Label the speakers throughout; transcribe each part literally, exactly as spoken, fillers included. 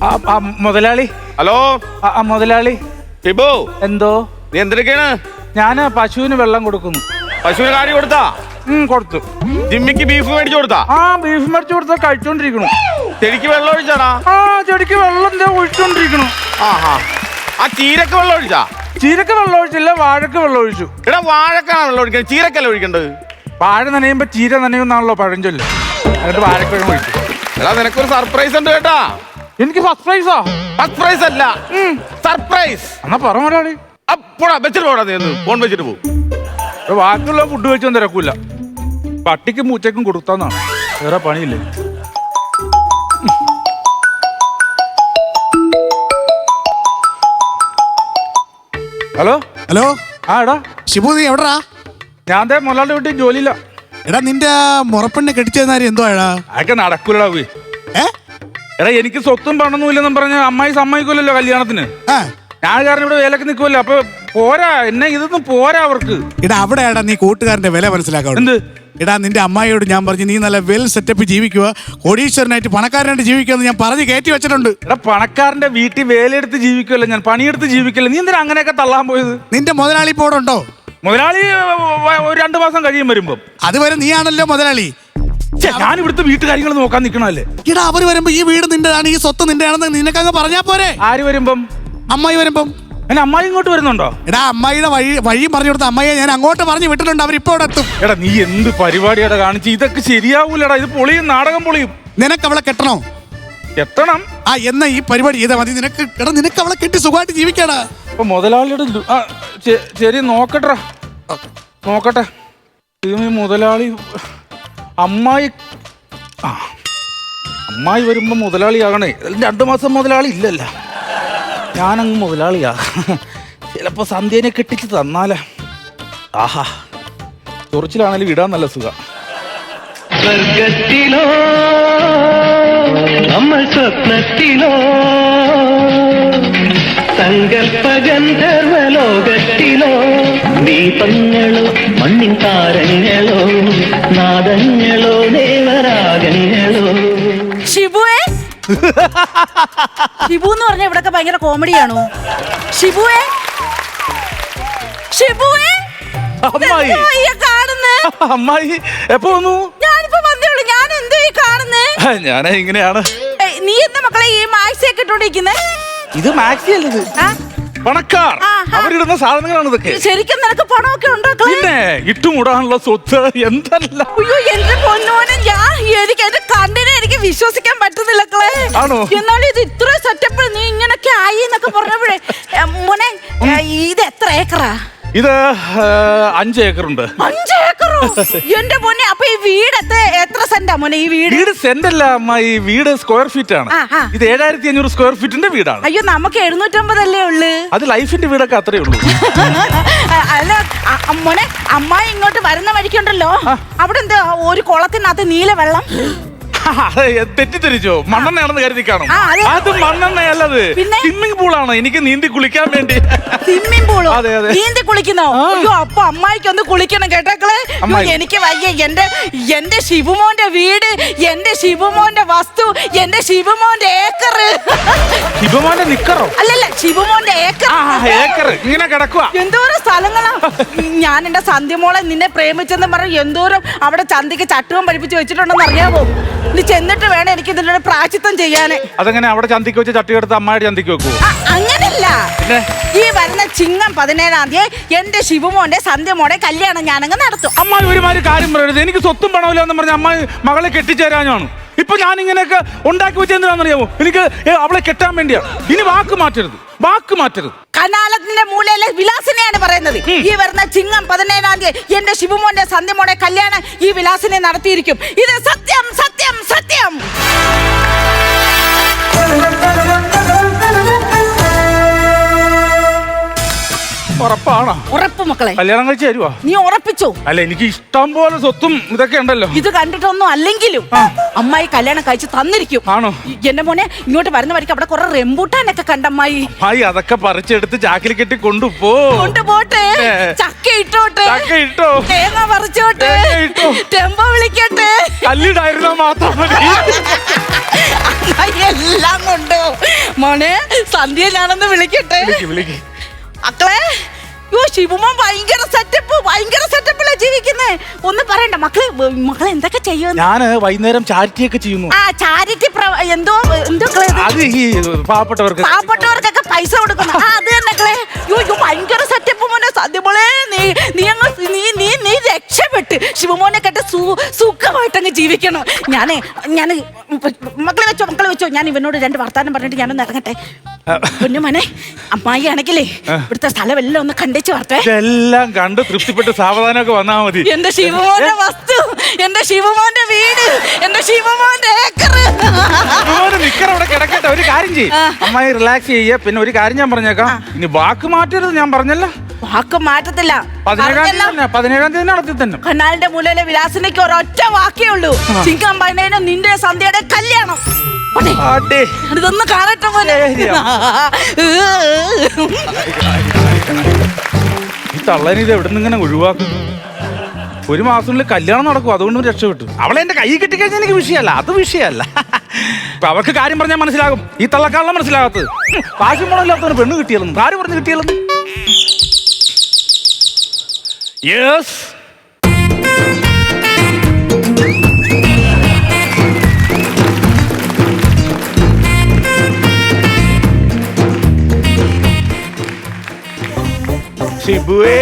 Speaker 1: മുതലാളി.
Speaker 2: ഹലോ
Speaker 1: മുതലാളി.
Speaker 2: ഷിബു,
Speaker 1: എന്തോ?
Speaker 2: നീ എന്തിനൊക്കെയാണ്?
Speaker 1: ഞാന് പശുവിന് വെള്ളം കൊടുക്കുന്നു.
Speaker 2: പശുവിന് കാടി കൊടുത്താ?
Speaker 1: കൊടുത്തു.
Speaker 2: ജിമ്മിക്ക് ബീഫ് മേടിച്ചു കൊടുത്താ?
Speaker 1: ആ ബീഫ് മേടിച്ചു കൊടുത്താ കഴിച്ചോണ്ടിരിക്കണു.
Speaker 2: ചെടിക്ക് വെള്ളം ഒഴിച്ചാടാ?
Speaker 1: ആ ചെടിക്ക് വെള്ളം എന്താ ഒഴിച്ചോണ്ടിരിക്കണു.
Speaker 2: ആഹാ. ആ ചീരക്ക് വെള്ളം ഒഴിച്ചാ?
Speaker 1: ചീരക്ക് വെള്ളം ഒഴിച്ചില്ല, വാഴക്ക് വെള്ളം ഒഴിച്ചു.
Speaker 2: എടാ വാഴക്കാണ് വെള്ളം ഒഴിക്കുന്നത്, ചീരക്കല്ല ഒഴിക്കേണ്ടത്.
Speaker 1: വാഴ നനയുമ്പോ ചീര നനയുന്നാണല്ലോ പഴഞ്ചൊല്ല്. എന്നിട്ട് വാഴക്ക് വെള്ളം ഒഴിച്ചു.
Speaker 2: എടാ നിനക്കൊരു സർപ്രൈസ് ഉണ്ട് കേട്ടാ.
Speaker 1: എനിക്ക് സർപ്രൈസാ?
Speaker 2: സർപ്രൈസ് അല്ല, സർപ്രൈസ്.
Speaker 1: എന്നാ പറ മുതലാളി.
Speaker 2: അപ്പോടാ വെച്ചിട്ട് പോടാ, നീ ഒന്ന് ഫോൺ വെച്ചിട്ട് പോകും.
Speaker 1: ബാക്കിയുള്ള ഫുഡ് വെച്ചൊന്നും തിരക്കൂല. പട്ടിക്കും പൂച്ചക്കും കൊടുത്താന്നാണ്, വേറെ പണിയില്ലേ. Hello
Speaker 3: hello.
Speaker 1: ആ എടാ
Speaker 3: ഷിബു, നീ എവിടാ?
Speaker 1: ഞാൻ ദേ മുതലാളിയുടെ വീട്ടിൽ ജോലിയില്ല.
Speaker 3: എടാ നിന്റെ മുറപ്പെണ്ണെ കെട്ടിച്ചെന്നാരി എന്തോ എടാ?
Speaker 1: അതൊക്കെ നടക്കൂലടാ. പോയി
Speaker 3: ഏ
Speaker 1: എടാ എനിക്ക് സ്വത്തും പണൊന്നും ഇല്ലെന്നും പറഞ്ഞ അമ്മായി സമ്മതിക്കൂലല്ലോ കല്യാണത്തിന്. ഞാൻ കാരണം ഇവിടെ വേലക്ക് നിൽക്കുമല്ലോ. അപ്പൊ പോരാ, എന്നെ ഇതൊന്നും പോരാ അവർക്ക്.
Speaker 3: എടാ അവിടെയാടാ നീ കൂട്ടുകാരന്റെ വില മനസ്സിലാക്കാം.
Speaker 1: എന്ത്?
Speaker 3: എടാ നിന്റെ അമ്മായിയോട് ഞാൻ പറഞ്ഞു നീ നല്ല വെൽ സെറ്റപ്പ് ജീവിക്കുക, കോടീശ്വരനായിട്ട് പണക്കാരനായിട്ട് ജീവിക്കുക ഞാൻ പറഞ്ഞ് കയറ്റി വെച്ചിട്ടുണ്ട്.
Speaker 1: എടാ പണക്കാരന്റെ വീട്ടിൽ വേലയെടുത്ത് ജീവിക്കുമല്ലോ ഞാൻ, പണിയെടുത്ത് ജീവിക്കല്ലോ. നീ എന്തിനാ അങ്ങനെയൊക്കെ തള്ളാൻ പോയത്?
Speaker 3: നിന്റെ മുതലാളി ഇപ്പോൾ ഇവിടെ ഉണ്ടോ?
Speaker 1: മുതലാളി ഒരു രണ്ടു മാസം കഴിയും വരുമ്പോ.
Speaker 3: അതുവരെ നീയാണല്ലോ മുതലാളി.
Speaker 1: ഞാൻ ഇവിടുത്തെ വീട്ടുകാര്യങ്ങൾ നോക്കാൻ നിൽക്കണല്ലേ.
Speaker 3: എടാ അവര് വരുമ്പോ ഈ വീട് നിന്റെയാണ്, ഈ സ്വത്ത് നിന്റെയാണെന്ന് നിനക്കങ്ങ് പറഞ്ഞാ പോരെ?
Speaker 1: ആര് വരുമ്പം?
Speaker 3: അമ്മായി വരുമ്പം.
Speaker 1: എന്നെ അമ്മായി ഇങ്ങോട്ട് വരുന്നുണ്ടോ?
Speaker 3: എടാ അമ്മായിയുടെ വഴി വഴി പറഞ്ഞു കൊടുത്ത അമ്മയെ ഞാൻ അങ്ങോട്ട് പറഞ്ഞു വിട്ടിട്ടുണ്ട്, അവരിപ്പോ ഇവിടെ എത്തും.
Speaker 1: എടാ നീ എന്ത് പരിപാടിയാടാ കാണിച്ച്? ഇതൊക്കെ ശരിയാവൂലടാ, ഇത് പൊളിയും, നാടകം പൊളിയും.
Speaker 3: നിനക്ക് അവളെ കെട്ടണോ?
Speaker 1: കെട്ടണം.
Speaker 3: ആ എന്നാ ഈ പരിപാടി ചെയ്താൽ മതി. നിനക്ക് എടാ നിനക്ക് അവളെ കെട്ടി സുഖമായിട്ട് ജീവിക്കാടാ.
Speaker 1: അപ്പൊ മുതലാളിയുടെ ശരി നോക്കട്ടെ നോക്കട്ടെ. ഈ മുതലാളി അമ്മായി ആ അമ്മായി വരുമ്പോ മുതലാളിയാകണേ. രണ്ടു മാസം മുതലാളി ഇല്ലല്ല, ഞാനങ്ങ് മുതലാളിയാ. ചിലപ്പോ സന്ധ്യനെ കെട്ടിച്ച് തന്നാലേ. ആഹാ ചൊറിച്ചിലാണെങ്കിലും ഇടാൻ നല്ല സുഖം.
Speaker 4: സ്വർഗത്തിലോ നമ്മൾ സ്വപ്നത്തിലോ സങ്കൽപ്പ ഗന്ധർവലോകത്തിലോ ദീപങ്ങളോ മണ്ണിൻ താരങ്ങളോ നാദങ്ങളോ ദേവരാഗങ്ങളോ.
Speaker 5: ഷിബുവേ, ഷിബു എന്ന് പറഞ്ഞ ഇവിടൊക്കെ ഭയങ്കര കോമഡിയാണോ? ഷിബുവേ, ഷിബുവേ.
Speaker 1: അമ്മായി അമ്മായി എപ്പോ വന്നു?
Speaker 5: ഞാനിപ്പോ വന്നേ ഉള്ളൂ. ഞാൻ എന്തോ ഈ കാണുന്നേ?
Speaker 1: ഞാനേ ഇങ്ങനെയാണ്.
Speaker 5: നീ എന്താ മക്കളെ ഈ മാക്സി ഒക്കെ ഇട്ടോണ്ടിരിക്കുന്നേ?
Speaker 1: ഇത് മാക്സി അല്ലത്, പണക്കാർ അവരിടുന്ന സാധനങ്ങളാണ് ഇതൊക്കെ.
Speaker 5: ശരിക്കും നിനക്ക് പണമൊക്കെ ഉണ്ടോ?
Speaker 1: പിന്നെ ഇട്ടുമുടാനുള്ള സ്വത്ത് എന്തല്ല.
Speaker 5: അയ്യോ എന്റെ പൊന്നോനെ, ഞാൻ എനിക്ക് എന്റെ കണ്ണിനെ എനിക്ക് വിശ്വസിക്കാൻ പറ്റുന്നില്ല.
Speaker 1: ആണോ?
Speaker 5: എന്നാലും ഇത് ഇത്ര സെറ്റപ്പ് നീ ഇങ്ങനൊക്കെ ആയി എന്നൊക്കെ പറഞ്ഞപ്പോഴേ മോനെ, ഇത് എത്ര ഏക്കറാ?
Speaker 1: ഇത് അഞ്ച് ഏക്കറുണ്ട്.
Speaker 5: അഞ്ച് ഏക്കറോ? എന്റെ മോനെ, അപ്പൊ ഈ വീട് എത്ര എത്ര സെന്റാ മോനെ? ഈ വീട്
Speaker 1: വീട് സെന്റ് അല്ല അമ്മ, ഈ വീട് സ്ക്വയർ ഫീറ്റ് ആണ്. ഇത് ഏഴായിരത്തി അഞ്ഞൂറ് സ്ക്വയർ ഫീറ്റിന്റെ വീടാണ്.
Speaker 5: അയ്യോ നമുക്ക് എഴുന്നൂറ്റമ്പതല്ലേ ഉള്ളു.
Speaker 1: അത് ലൈഫിന്റെ വീടൊക്കെ അത്രേ ഉള്ളൂ.
Speaker 5: അല്ല മോനെ, അമ്മായി ഇങ്ങോട്ട് വരുന്ന വഴിക്കുണ്ടല്ലോ, അവിടെ എന്താ ഒരു കുളത്തിനകത്ത് നീല വെള്ളം?
Speaker 1: തെറ്റിദ്ധരിച്ചോ? മണ്ണെണ്ണയാണെന്ന് കരുതി കാണും. അത് മണ്ണെണ്ണയല്ലത്, സ്വിമ്മിംഗ് പൂളാണ്. എനിക്ക് നീന്തി കുളിക്കാൻ വേണ്ടി.
Speaker 5: സ്വിമ്മിംഗ് പൂളോ?
Speaker 1: അതെ അതെ.
Speaker 5: നീന്തി കുളിക്കുന്നോ? അയ്യോ അപ്പൊ അമ്മായിക്ക് ഒന്ന് കുളിക്കണം കേട്ടോക്കളെ. എനിക്ക് വയ്യ. എന്റെ എന്റെ ശിവമോന്റെ വീട്, എന്റെ ശിവമോന്റെ വസ്തു, എന്റെ ശിവമോന്റെ ഏക്കർ.
Speaker 1: ശിവമോന്റെ നിക്കറോ?
Speaker 5: അല്ലല്ല, ശിവമോന്റെ ഏക്കർ.
Speaker 1: ഏക്കർ ഇങ്ങനെ കിടക്കുക.
Speaker 5: എന്തോരം സ്ഥലങ്ങളാ. ഞാൻ എന്റെ സന്ധ്യമോളെ നിന്നെ പ്രേമിച്ചെന്ന് പറഞ്ഞ് എന്തോരം അവിടെ ചന്തിക്ക് ചട്ടുവം പഠിപ്പിച്ച് വെച്ചിട്ടുണ്ടെന്ന് അറിയാമോ? നീ ചെന്നിട്ട് വേണം എനിക്ക് ഇതിന്റെ പ്രായശ്ചിത്തം ചെയ്യാന്.
Speaker 1: അതെങ്ങനെ അവിടെ ചന്തിക്ക് വെച്ച് ചട്ടി എടുത്ത് അമ്മായിട്ട് ചന്തിക്ക് വെക്കുവോ?
Speaker 5: അങ്ങനല്ല, ഈ വരുന്ന ചിങ്ങം പതിനേഴാം തീയതി എന്റെ ശിവമോന്റെ സന്ധ്യമോടെ കല്യാണം ഞാനങ്ങ് നടത്തും.
Speaker 1: അമ്മായി ഒരുമാതിരി കാര്യം പറയരുത്. എനിക്ക് സ്വത്തും പണമില്ല എന്ന് പറഞ്ഞ അമ്മായി മകളെ കെട്ടിച്ചേരാനാണ്. ഇപ്പൊ ഞാൻ ഇങ്ങനെയൊക്കെ ഉണ്ടാക്കി വെച്ച എന്തിനാണെന്നറിയാമോ? എനിക്ക് അവളെ കെട്ടാൻ വേണ്ടിയാണ്. ഇനി വാക്ക് മാറ്റരുത്, വാക്ക് മാറ്റരുത്.
Speaker 5: കനാലത്തിന്റെ മൂലയിലെ വിലാസിനെയാണ് പറയുന്നത്. ഈ വരുന്ന ചിങ്ങം പതിനേഴാം തീയതി എന്റെ ശിവമോന്റെ സന്ധ്യമോടെ കല്യാണം ഈ വിലാസിനെ നടത്തിയിരിക്കും. ഇത് സത്യം സത്യം സത്യം.
Speaker 1: ഉറപ്പാണോ?
Speaker 5: ഉറപ്പ് മക്കളെ.
Speaker 1: കല്യാണം കഴിച്ച് തരുവാ?
Speaker 5: നീ ഉറപ്പിച്ചോ?
Speaker 1: അല്ല, എനിക്ക് ഇഷ്ടം പോലെ സ്വത്തും ഇതൊക്കെ ഉണ്ടല്ലോ.
Speaker 5: ഇത് കണ്ടിട്ടൊന്നും അല്ലെങ്കിലും അമ്മായി കല്യാണം കഴിച്ച് തന്നിരിക്കും.
Speaker 1: ആണോ?
Speaker 5: എന്റെ മോനെ, ഇങ്ങോട്ട് വരുന്ന വഴിക്ക് അവിടെ കുറെ റെമ്പൂട്ടാനൊക്കെ കണ്ടമ്മായി.
Speaker 1: അമ്മായി അതൊക്കെ പറിച്ചെടുത്ത് ചാക്കിൽ കെട്ടി കൊണ്ടുപോ.
Speaker 5: കൊണ്ടുപോട്ടെ. ചക്ക ഇട്ടോട്ടെ.
Speaker 1: ചക്ക ഇട്ടോ.
Speaker 5: തേങ്ങ പറിച്ചോട്ടെ.
Speaker 1: ഇട്ടോ.
Speaker 5: ടെമ്പോ വിളിക്കട്ടെ.
Speaker 1: കല്ലിടായിരുന്നാ മാത്രം മതി.
Speaker 5: അമ്മായി എല്ലാം കൊണ്ടോ. മോനെ, സന്ധ്യ ഞാനൊന്ന് വിളിക്കട്ടെ.
Speaker 1: വിളിക്ക്.
Speaker 5: മക്കളെ, യോ ശിവമോൻ ഭയങ്കര സെറ്റപ്പ്, ഭയങ്കര സെറ്റപ്പിലാ ജീവിക്കുന്നേ. ഒന്ന് പറയണ്ട മക്കളെ. മക്കളെ എന്തൊക്കെ ചെയ്യുന്നു?
Speaker 1: ഞാന് വൈകുന്നേരം ചാരിറ്റി ഒക്കെ ചെയ്യുന്നു.
Speaker 5: ആ ചാരിറ്റി എന്തോ എന്തോ
Speaker 1: അത് ഈ പാവപ്പെട്ടവർക്ക്
Speaker 5: പാവപ്പെട്ടവർക്കൊക്കെ പൈസ കൊടുക്കുന്നു. ആ അത് തന്നെ മക്കളെ. യോ യോ ഭയങ്കര സെറ്റപ്പ് മോനെ. സത്യമോളെ, നീ നീ അങ്ങ് നീ നീ നീ രക്ഷപ്പെട്ട് ശിവമോനെ കേട്ട് സു സുഖമായിട്ടങ്ങ് ജീവിക്കണം. ഞാനേ ഞാൻ മക്കളെ വെച്ചോ മക്കളെ വെച്ചോ ഞാൻ ഇവനോട് രണ്ട് വർത്താനം പറഞ്ഞിട്ട് ഞാനൊന്ന് ഇറങ്ങട്ടെ. പൊന്നു മോനെ, അമ്മായി ആണെങ്കിലേ ഇവിടുത്തെ സ്ഥലം എല്ലാം ഒന്ന് കണ്ടേച്ച് വരട്ടെ.
Speaker 1: എല്ലാം കണ്ട് തൃപ്തിപ്പെട്ട് സാവധാനമൊക്കെ വന്നാ മതി.
Speaker 5: എന്റെ ശിവമോന്റെ വസ്തു, എന്റെ ശിവമോന്റെ വീട്, എന്റെ ശിവമോന്റെ ഏക്കർ.
Speaker 1: നിക്കറ അവിടെ കിടക്കട്ടെ. ഒരു കാര്യം ചെയ്യും, അമ്മായി റിലാക്സ് ചെയ്യ. പിന്നെ ഒരു കാര്യം ഞാൻ പറഞ്ഞേക്കാം, ഇനി വാക്ക് മാറ്റരുത്. ഞാൻ പറഞ്ഞല്ലോ,
Speaker 5: വാക്ക് മാറ്റത്തില്ല.
Speaker 1: പതിനേഴാം തീയതി പതിനേഴാം തീയതി നടത്തി തന്നെ
Speaker 5: കനാലിന്റെ മൂലയിലെ വിലാസിലേക്ക് ഒരൊറ്റ വാക്കേ ഉള്ളൂ. ചിങ്കം പതിനേഴിന് നിന്റെ സന്ധ്യയുടെ കല്യാണം. ഇതൊന്ന് കാണട്ടെ പോലെ.
Speaker 1: ഈ തള്ളനെ ഇത് എവിടെ നിന്ന് ഇങ്ങനെ ഒഴിവാക്കും? ഒരു മാസത്തിനുള്ളിൽ കല്യാണം നടക്കും, അതുകൊണ്ടും രക്ഷപ്പെട്ടു. അവളെ എന്റെ കൈ കിട്ടിക്കഴിഞ്ഞാൽ എനിക്ക് വിഷയമല്ല, അത് വിഷയമല്ല. അപ്പൊ അവർക്ക് കാര്യം പറഞ്ഞാൽ മനസ്സിലാകും. ഈ തള്ളക്കാളെ മനസ്സിലാകാത്തത്. കാശും പണമില്ലാത്തവന് പെണ്ണ് കിട്ടിയാലും ആര് പറഞ്ഞു കിട്ടിയാലും. യെസ്,
Speaker 2: ഷിബുവേ.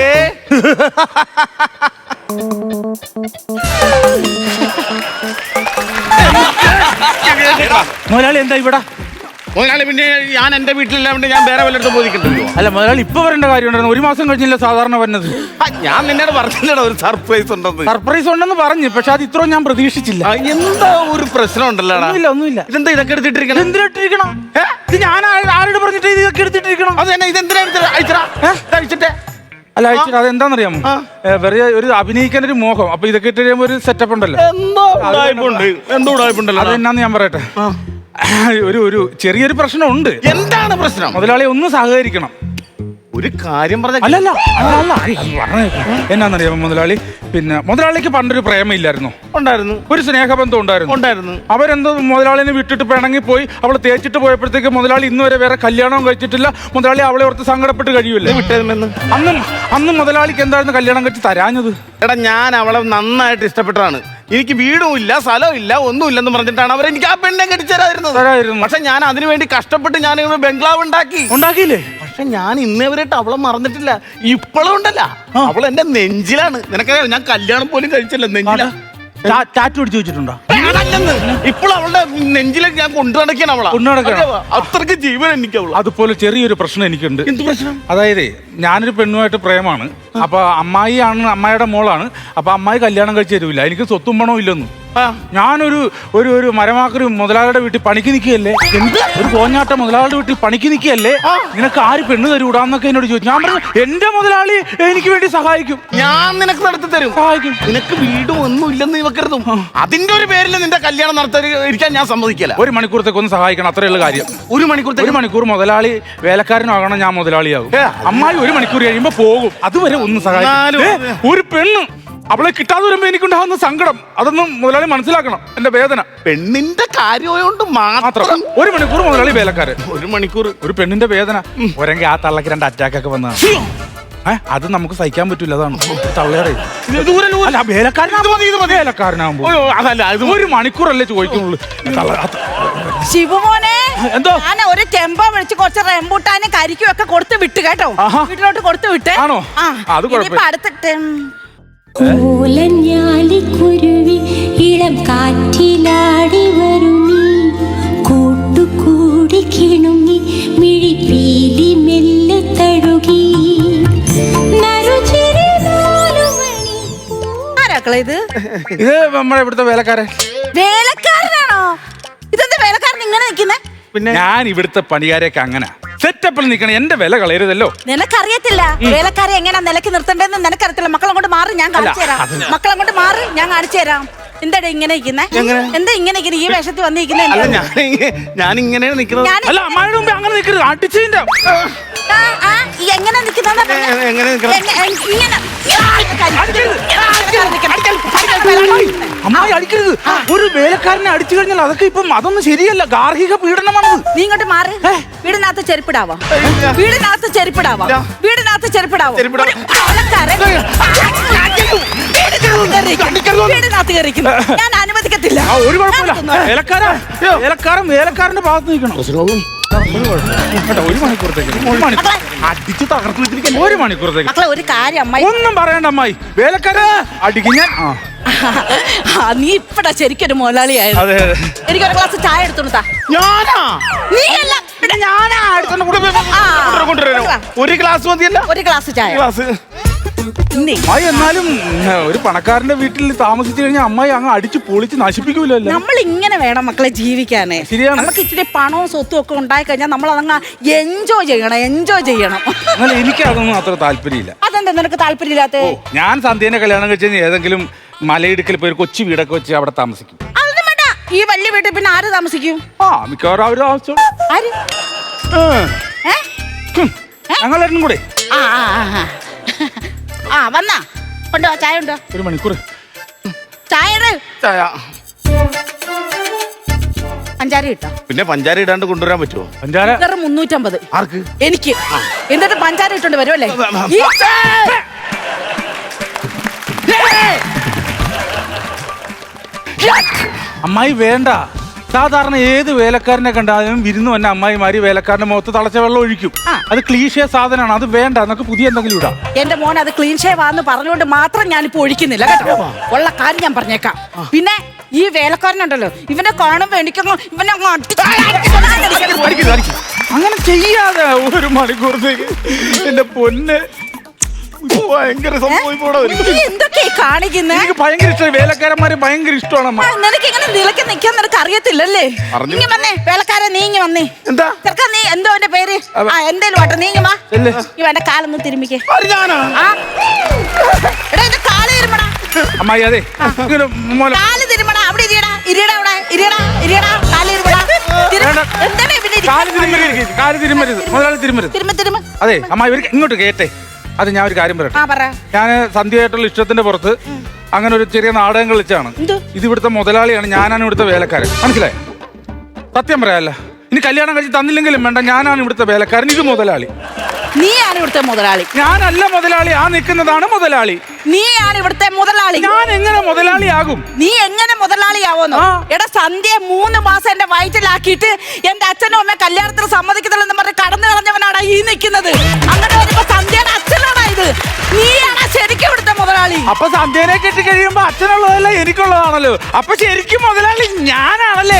Speaker 1: മുതലാളി എന്താ ഇവിടെ?
Speaker 2: മുതലാളി, പിന്നെ ഞാൻ എന്റെ വീട്ടിലില്ലാണ്ട് ഞാൻ വേറെ വല്ലയിടത്തും പോയിക്കണ്ടല്ലോ.
Speaker 1: അല്ല മുതലാളി, ഇപ്പൊ വരേണ്ട കാര്യം ഉണ്ടായിരുന്നു. ഒരു മാസം കഴിഞ്ഞില്ല സാധാരണ വരുന്നത്.
Speaker 2: ഞാൻ നിന്നോട് പറഞ്ഞില്ലടാ ഒരു സർപ്രൈസ് ഉണ്ടെന്ന്.
Speaker 1: സർപ്രൈസ് ഉണ്ടെന്ന് പറഞ്ഞു, പക്ഷെ അത് ഇത്രയും ഞാൻ പ്രതീക്ഷിച്ചില്ല.
Speaker 2: ആ, എന്താ ഒരു പ്രശ്നം ഉണ്ടല്ലോ?
Speaker 1: ഒന്നുമില്ല ഒന്നുമില്ല.
Speaker 2: ഇതെന്താ ഇതൊക്കെ എടുത്തിട്ടിരിക്കണം?
Speaker 1: എന്തിനിട്ടിരിക്കണം? ഇത് ഞാൻ ആരോട് പറഞ്ഞിട്ട് ഇതൊക്കെ എടുത്തിട്ടിരിക്കണം?
Speaker 2: അത് തന്നെ, ഇതെന്തിനാ അയച്ചടാ? അയച്ചിട്ടേ.
Speaker 1: അല്ല അയച്ചിട്ട് അതെന്താണെന്നറിയാമോ? വെറുതെ ഒരു അഭിനയിക്കാൻ ഒരു മോഹം. അപ്പൊ ഇതൊക്കെ ഇട്ട് കഴിയുമ്പോ ഒരു സെറ്റപ്പ് ഉണ്ടല്ലോ.
Speaker 2: എന്തോ ഉടായ്പുണ്ട്, എന്തോ ഉടായ്പുണ്ടല്ലോ.
Speaker 1: അതെന്നാന്ന് ഞാൻ പറയട്ടെ. ഒരു ഒരു ചെറിയൊരു പ്രശ്നമുണ്ട്.
Speaker 2: എന്താണ് പ്രശ്നം?
Speaker 1: മുതലാളി ഒന്ന് സഹകരിക്കണം.
Speaker 2: ഒരു കാര്യം പറഞ്ഞ
Speaker 1: അല്ലല്ല അല്ല എന്നാന്നറിയാമോ മുതലാളി? പിന്നെ മുതലാളിക്ക് പണ്ടൊരു പ്രേമയില്ലായിരുന്നു?
Speaker 2: ഉണ്ടായിരുന്നു.
Speaker 1: ഒരു സ്നേഹബന്ധം ഉണ്ടായിരുന്നു.
Speaker 2: ഉണ്ടായിരുന്നു.
Speaker 1: അവരെന്തോ മുതലാളിനെ വിട്ടിട്ട് പിണങ്ങി പോയി. അവളെ തേച്ചിട്ട് പോയപ്പോഴത്തേക്ക് മുതലാളി ഇന്ന് വരെ വേറെ കല്യാണവും കഴിച്ചിട്ടില്ല. മുതലാളി അവളെ ഓർത്ത് സങ്കടപ്പെട്ട് കഴിയൂല്ലേ?
Speaker 2: വിട്ടതെന്ന്
Speaker 1: അന്നും അന്ന് മുതലാളിക്ക് എന്തായിരുന്നു കല്യാണം കഴിച്ച് തരാഞ്ഞത്?
Speaker 2: എടാ, ഞാൻ അവളെ നന്നായിട്ട് ഇഷ്ടപ്പെട്ടതാണ്. എനിക്ക് വീടും ഇല്ല സ്ഥലവും ഇല്ല ഒന്നും ഇല്ലെന്ന് പറഞ്ഞിട്ടാണ് അവർ എനിക്ക് ആ പെണ്ണെ കെട്ടിച്ചേരായിരുന്നത്. പക്ഷെ ഞാൻ അതിനു വേണ്ടി കഷ്ടപ്പെട്ട് ഞാൻ ഇവിടെ ബംഗ്ലാവ് ഉണ്ടാക്കി.
Speaker 1: ഉണ്ടാക്കിയില്ലേ?
Speaker 2: പക്ഷെ ഞാൻ ഇന്നേവരായിട്ട് അവളെ മറന്നിട്ടില്ല. ഇപ്പോഴും ഉണ്ടല്ല, അവൾ എന്റെ നെഞ്ചിലാണ്. നിനക്കറിയാം, ഞാൻ കല്യാണം പോലും കഴിച്ചില്ല. നെഞ്ചില
Speaker 1: ടാറ്റു അടിച്ചു വെച്ചിട്ടുണ്ടോ?
Speaker 2: ഇപ്പോൾ അവളുടെ നെഞ്ചിലേക്ക് ഞാൻ കൊണ്ടു നടക്കണം. അവളെ
Speaker 1: കൊണ്ടു നടക്കണം.
Speaker 2: അത്രയ്ക്ക് ജീവൻ എനിക്ക് അവള്.
Speaker 1: അതുപോലെ ചെറിയൊരു പ്രശ്നം എനിക്കുണ്ട്.
Speaker 2: എന്ത് പ്രശ്നം?
Speaker 1: അതായത് ഞാനൊരു പെണ്ണുമായിട്ട് പ്രേമാണ്. അപ്പൊ അമ്മായി ആണ്, അമ്മായിയുടെ മോളാണ്. അപ്പൊ അമ്മായി കല്യാണം കഴിച്ച് തരൂല. എനിക്ക് സ്വത്തും പണവും ഇല്ലെന്നും. ഞാനൊരു ഒരു ഒരു മരമാക്കൊരു മുതലാളിയുടെ വീട്ടിൽ പണിക്ക് നിൽക്കുകയല്ലേ? എന്ത് ഒരു കോഞ്ഞാട്ട മുതലാളിയുടെ വീട്ടിൽ പണിക്ക് നിൽക്കുകയല്ലേ? നിനക്ക് ആര് പെണ്ണ് തരൂടാന്നൊക്കെ എന്നോട് ചോദിച്ചു. ഞാൻ പറഞ്ഞു എന്റെ മുതലാളി എനിക്ക് വേണ്ടി സഹായിക്കും.
Speaker 2: ഞാൻ നിനക്ക് നടത്തി തരും.
Speaker 1: സഹായിക്കും.
Speaker 2: നിനക്ക് വീടും ഒന്നും ഇല്ലെന്ന് വെക്കരുതും. അതിന്റെ ഒരു പേരിൽ നിന്റെ കല്യാണം നടത്താൻ ഇരിക്കാൻ ഞാൻ സമ്മതിക്കില്ല.
Speaker 1: ഒരു മണിക്കൂറത്തേക്ക് ഒന്ന് സഹായിക്കണം, അത്രയുള്ള കാര്യം.
Speaker 2: ഒരു മണിക്കൂർ
Speaker 1: ഒരു മണിക്കൂർ മുതലാളി വേലക്കാരനാകണം, ഞാൻ മുതലാളിയാകും. അമ്മായി ഒരു മണിക്കൂർ കഴിയുമ്പോ പോകും. അതുവരെ ഒന്ന് സഹായിക്കും. ഒരു പെണ്ണ് അവളെ കിട്ടാതെ വരുമ്പോ എനിക്കുണ്ടാകുന്ന സങ്കടം അതൊന്നും മുതലാളി മനസ്സിലാക്കണം. എന്റെ വേദന
Speaker 2: പെണ്ണിന്റെ കാര്യമായോണ്ട് മാത്രം.
Speaker 1: ഒരു മണിക്കൂർ മുതലാളി വേലക്കാരൻ,
Speaker 2: ഒരു മണിക്കൂർ ഒരു
Speaker 1: പെണ്ണിന്റെ വേദന. ഒരെങ്കിൽ ആ തള്ളക്ക് രണ്ട് അറ്റാക്ക് ഒക്കെ വന്നതാണ്. ഏഹ് അത് നമുക്ക് സഹിക്കാൻ പറ്റൂല. അതാണ് തള്ളയുടെ വേലക്കാരനാകുമ്പോ ഒരു മണിക്കൂറല്ലേ ചോദിക്കുന്നുള്ളൂ.
Speaker 5: ശിവമോനെ,
Speaker 1: എന്തോ
Speaker 5: ഞാൻ ഒരു ടെമ്പോ വിളിച്ച് കുറച്ച് റെമ്പൂട്ടാനും കരിക്കും ഒക്കെ കൊടുത്ത് വിട്ട് കേട്ടോ. വീട്ടിലോട്ട് കൊടുത്ത് വിട്ടേ.
Speaker 1: ആണോ? അത്
Speaker 5: അടുത്തിട്ട്
Speaker 6: കോലഞ്ഞാലിക്കുരുവി ഇളം കാറ്റിലാടി വരുമീ കൂട്ടുകൂടി കിണുങ്ങി മിഴിപ്പീലി മെല്ലെ തഴുകി.
Speaker 5: ആരാക്കളെ ഇത്?
Speaker 1: ഇത് നമ്മുടെ ഇവിടുത്തെ വേലക്കാരൻ.
Speaker 5: വേലക്കാരനാണോ? ഇതെന്താ വേലക്കാരൻ ഇങ്ങനെ നിൽക്കുന്നേ?
Speaker 1: പിന്നെ ഞാൻ ഇവിടുത്തെ പണിക്കാരെയൊക്കെ അങ്ങനെ സെറ്റപ്പിൽ നിൽക്കണം. എന്റെ വില കളയരുതല്ലോ.
Speaker 5: നിനക്കറിയത്തില്ല വേലക്കാരെ എങ്ങനെ നിലക്ക് നിർത്തണ്ടെന്ന് നിനക്കറിയത്തില്ല. മക്കളങ്ങോട്ട് മാറി, ഞാൻ കാണിച്ചു തരാം. മക്കളങ്ങോട്ട് മാറി, ഞാൻ കാണിച്ചു തരാം. എന്താടാ ഇങ്ങനെ ഇരിക്കുന്നേ? എന്താ ഇങ്ങനെ ഇരിക്കുന്നത്? ഈ വേഷത്തിൽ വന്നിരിക്കുന്നേ?
Speaker 2: അല്ല ഞാൻ ഞാൻ ഇങ്ങനെയാണ് നിൽക്കുന്നത്.
Speaker 1: അല്ല അമ്മായിയുടെ മുമ്പ് അങ്ങനെ നിൽക്കരുത്. അടിച്ചതിന്റെ
Speaker 5: എങ്ങനെ നിൽക്കുന്ന
Speaker 2: എങ്ങനെ നിൽക്കണം?
Speaker 1: അമ്മായി അടിക്കരുത്. ഒരു വേലക്കാരനെ അടിച്ചു കഴിഞ്ഞാൽ അതൊക്കെ ഇപ്പം അതൊന്നും ശരിയല്ല. ഗാർഹിക പീഡനമാണത്.
Speaker 5: നീ ഇങ്ങോട്ട് മാറി. വീടിനകത്ത് ചെരുപ്പിടാവോ? വീടിനകത്ത് ചെരുപ്പിടാവോ? വീടിനകത്ത് ചെരുപ്പിടാവോ? വീടിനകത്ത് കയറിക്കുന്നു. ഞാൻ അനുവദിക്കത്തില്ല.
Speaker 1: ഒരു കുഴപ്പമില്ല. വേലക്കാരൻ വേലക്കാരൻ വേലക്കാരന്റെ ഭാഗത്ത് നിൽക്കണം. ഒരു മണിക്കൂറത്തേക്ക് ഒരു മണിക്കൂർ അടിച്ച് തകർത്ത് വെച്ചിരിക്കാൻ. ഒരു മണിക്കൂറത്തേക്ക്
Speaker 5: മക്കളെ ഒരു കാര്യം അമ്മായി
Speaker 1: ഒന്നും പറയണ്ട അമ്മായി. വേലക്കാര അടിക്കും ഞാൻ.
Speaker 5: നീ ഇപ്പടാ ശരിക്കൊരു മുതലാളിയായത്.
Speaker 1: അതെ അതെ.
Speaker 5: എനിക്കൊരു ഗ്ലാസ് ചായ എടുത്തോണ്ടാ.
Speaker 2: ഞാനാ
Speaker 5: നീ അല്ല ഇവിടെ ഞാനാ എടുത്തോണ്ട്
Speaker 2: ഒരു ഗ്ലാസ് മതിയല്ല?
Speaker 5: ഒരു ഗ്ലാസ് ചായ.
Speaker 2: ഗ്ലാസ്
Speaker 1: അമ്മായി എന്നാലും ഒരു പണക്കാരന്റെ വീട്ടിൽ താമസിച്ചു കഴിഞ്ഞാൽ അമ്മായി അങ്ങ് അടിച്ച് പൊളിച്ച് നശിപ്പിക്കൂലല്ലോ.
Speaker 5: നമ്മൾ ഇങ്ങനെ വേണം മക്കളെ ജീവിക്കാനേ.
Speaker 1: ശരിയാണ്.
Speaker 5: നമുക്ക് ഇച്ചിരി പണവും സ്വത്തും ഒക്കെ ഉണ്ടായി കഴിഞ്ഞാൽ നമ്മൾ അതങ്ങ് എൻജോയ് ചെയ്യണം, എൻജോയ് ചെയ്യണം.
Speaker 1: എന്നാൽ എനിക്ക് അതൊന്നും അത്ര താല്പര്യമില്ല.
Speaker 5: അതെന്താ നിനക്ക് താല്പര്യമില്ലാത്ത?
Speaker 1: ഞാൻ സന്ധ്യേനെ കല്യാണം കഴിച്ചാൽ ഏതെങ്കിലും മലയിടുക്കിൽ പോയി ഒരു കൊച്ചു വീടൊക്കെ വെച്ച് അവിടെ താമസിക്കും.
Speaker 5: അതൊന്നും വേണ്ട. ഈ വലിയ വീട്ടിൽ പിന്നെ ആര് താമസിക്കും?
Speaker 1: ആ മിക്കവാറും അവര് ആവശ്യം
Speaker 5: ആര്? ഏ?
Speaker 1: ഞങ്ങളെല്ലാം കൂടെ
Speaker 5: ആ ആ ആ ആ വന്നാ കൊണ്ടോ ചായ ഉണ്ടോ?
Speaker 1: ഒരു മണിക്കൂർ
Speaker 5: ചായ ഇട്.
Speaker 2: ചായ
Speaker 5: പഞ്ചാര ഇട്ടോ?
Speaker 2: പിന്നെ പഞ്ചാര ഇടാണ്ട് കൊണ്ടുവരാൻ പറ്റുമോ?
Speaker 1: പഞ്ചാര
Speaker 5: വെറും മുന്നൂറ്റമ്പത്.
Speaker 2: ആർക്ക്?
Speaker 5: എനിക്ക്. എന്നിട്ട് പഞ്ചാര ഇട്ടോണ്ട് വരുമല്ലേ?
Speaker 1: അമ്മായി വേണ്ട. സാധാരണ ഏത് വേലക്കാരനെ കണ്ടാലും വിരുന്ന് വന്ന അമ്മായിമാര് വേലക്കാരന്റെ മുഖത്ത് തളച്ച വെള്ളം ഒഴിക്കും. അത് ക്ലീശേ സാധനമാണ്. അത് വേണ്ട. നമുക്ക് പുതിയ എന്തെങ്കിലും ഇടാം.
Speaker 5: എന്റെ മോൻ അത് ക്ലീൻ ഷേവ് ആന്ന് പറഞ്ഞുകൊണ്ട് മാത്രം ഞാനിപ്പോ ഒഴിക്കുന്നില്ല കേട്ടോ. ഉള്ള കാര്യം ഞാൻ പറഞ്ഞേക്കാം. പിന്നെ ഈ വേലക്കാരനുണ്ടല്ലോ, ഇവനെ കാണുമ്പോ എനിക്കങ്ങ് ഇവനെ അങ്ങ്
Speaker 1: അങ്ങനെ ചെയ്യാതെ ഒരു മണിക്കൂറത്തേക്ക് എന്റെ പൊന്ന്
Speaker 2: ഭയങ്കര സംഭവം.
Speaker 5: എന്തൊക്കെ കാണിക്കുന്നേ?
Speaker 1: എനിക്ക് ഭയങ്കര ഇഷ്ടമായി. വേലക്കാരന്മാര് ഭയങ്കര ഇഷ്ടമാണ് അമ്മ.
Speaker 5: നിനക്ക് ഇങ്ങനെ നിലക്ക് നിൽക്കാൻ നിനക്ക് അറിയത്തില്ലല്ലേ? നീങ്ങി വന്നേ വേലക്കാരൻ, നീങ്ങി വന്നേ.
Speaker 2: എന്താ
Speaker 5: ചെറുക്കാൻ നീ എന്തോ എന്റെ പേര്? ആ എന്തേലും വാട്ടെ, നീങ്ങി വാ. ഇവ എന്റെ കാലൊന്ന് തിരുമ്മിക്കേ.
Speaker 2: ഞാനാ
Speaker 5: ആ എടാ എന്റെ കാല് തിരുമടാ.
Speaker 1: അമ്മായി അതെ
Speaker 5: കാല് തിരുമടാ. അവിടെ ഇരിയടാ, ഇരിയടാ, അവിടെ ഇരിയടാ, ഇരിയടാ, കാല് തിരുമടാ. എന്താണ് ഇവിടെ
Speaker 1: കാല് തിരുമരുത്. കാല് തിരുമരുത്. മുതലാളി തിരുമരുത്.
Speaker 5: തിരുമ്മ തിരുമ്മ.
Speaker 1: അതെ അമ്മായി ഇവർക്ക് ഇങ്ങോട്ട് കേട്ടെ. അത് ഞാൻ ഒരു കാര്യം പറയട്ടെ.
Speaker 5: ആ പറ.
Speaker 1: ഞാൻ സന്ധ്യയായിട്ടുള്ള ഇഷ്ടത്തിന്റെ പുറത്ത് അങ്ങനെ ഒരു ചെറിയ നാടകം കളിച്ചാണ്. ഇത് ഇവിടുത്തെ മുതലാളിയാണ്, ഞാനാണ് ഇവിടുത്തെ വേലക്കാരൻ. മനസ്സിലായി? സത്യം പറയാല്ല. ഇനി കല്യാണം കഴിച്ച് തന്നില്ലെങ്കിലും വേണ്ട, ഞാനാണ് ഇവിടുത്തെ വേലക്കാരൻ. ഇത് മുതലാളി.
Speaker 5: നീയാണ് ഇവിടുത്തെ മുതലാളി.
Speaker 1: ഞാനല്ല മുതലാളി. ആ നിൽക്കുന്നതാണ് മുതലാളി.
Speaker 5: നീയാണ് ഇവിടുത്തെ മുതലാളി.
Speaker 1: ഞാൻ എങ്ങനെ മുതലാളിയാകും?
Speaker 5: നീ എങ്ങനെ മുതലാളിയാവോന്നോ? എടാ സന്ധ്യ മൂന്ന് മാസം എന്റെ വയറ്റിലാക്കിയിട്ട് എന്റെ അച്ഛനും അമ്മ കല്യാണത്തിന് സമ്മതിക്കത്തില്ലെന്ന് പറഞ്ഞ് കടന്നു കളഞ്ഞവനാണ് ഈ നിൽക്കുന്നത്. അങ്ങനെ വരുമ്പോ സന്ധ്യയുടെ അച്ഛനാണ് ഇത്. നീയാണ് ശരിക്കും ഇവിടുത്തെ മുതലാളി.
Speaker 1: അപ്പൊ സന്ധ്യനെ കെട്ടി കഴിയുമ്പോ അച്ഛനുള്ളതല്ല എനിക്കുള്ളതാണല്ലോ. അപ്പൊ ശരിക്കും മുതലാളി ഞാനാണല്ലേ?